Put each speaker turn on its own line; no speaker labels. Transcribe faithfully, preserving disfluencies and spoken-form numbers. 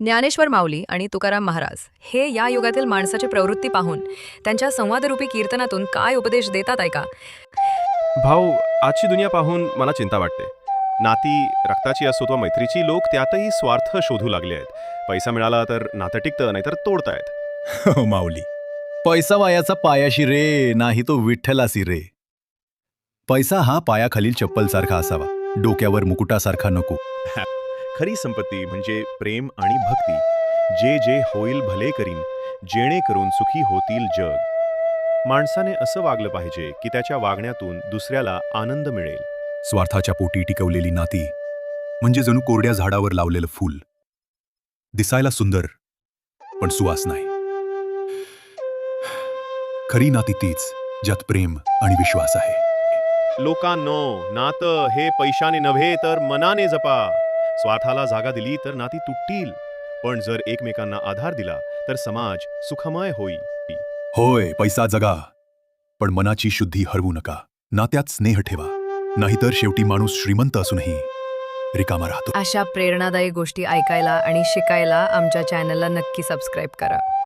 ज्ञानेश्वर माऊली आणि तुकाराम महाराज हे या युगातील माणसाची प्रवृत्ती पाहून त्यांच्या संवादरूपी कीर्तनातून काय उपदेश देतात ऐका.
भाऊ, आजची दुनिया पाहून मला चिंता वाटते. नाती रक्ताची असो वा मैत्रीची, लोक त्यातही स्वार्थ शोधू लागले आहेत. पैसा मिळाला तर नातं टिकतं, नाहीतर तोडतायत.
हो माऊली, पैसा वायाचा पायाशी रे, नाही तो विठ्ठलासी रे. पैसा हा पायाखालील चप्पल सारखा असावा, डोक्यावर मुकुटासारखा नको.
खरी संपत्ती म्हणजे प्रेम आणि भक्ती. जे जे होईल भले करीन, जेणेकरून सुखी होतील जग. माणसाने असं वागलं पाहिजे की त्याच्या वागण्यातून दुसऱ्याला आनंद मिळेल.
स्वार्थाच्या पोटी टिकवलेली नाती म्हणजे जणू कोरड्या झाडावर लावलेलं फूल, दिसायला सुंदर पण सुवास नाही. खरी नाती तीच ज्यात प्रेम आणि विश्वास आहे.
लोकांनो, नातं हे पैशाने नव्हे तर मनाने जपा. स्वार्थाला जागा दिली तर नाती तुटतील, पण जर एकमेकांना आधार दिला तर समाज सुखमय होईल.
होय, पैसा जगा, पण मनाची शुद्धी हरवू नका. नात्यात स्नेह ठेवा, नाहीतर शेवटी माणूस श्रीमंत असूनही रिकामा राहतो.
अशा प्रेरणादायी गोष्टी ऐकायला आणि शिकायला आमच्या चॅनलला नक्की सबस्क्राईब करा.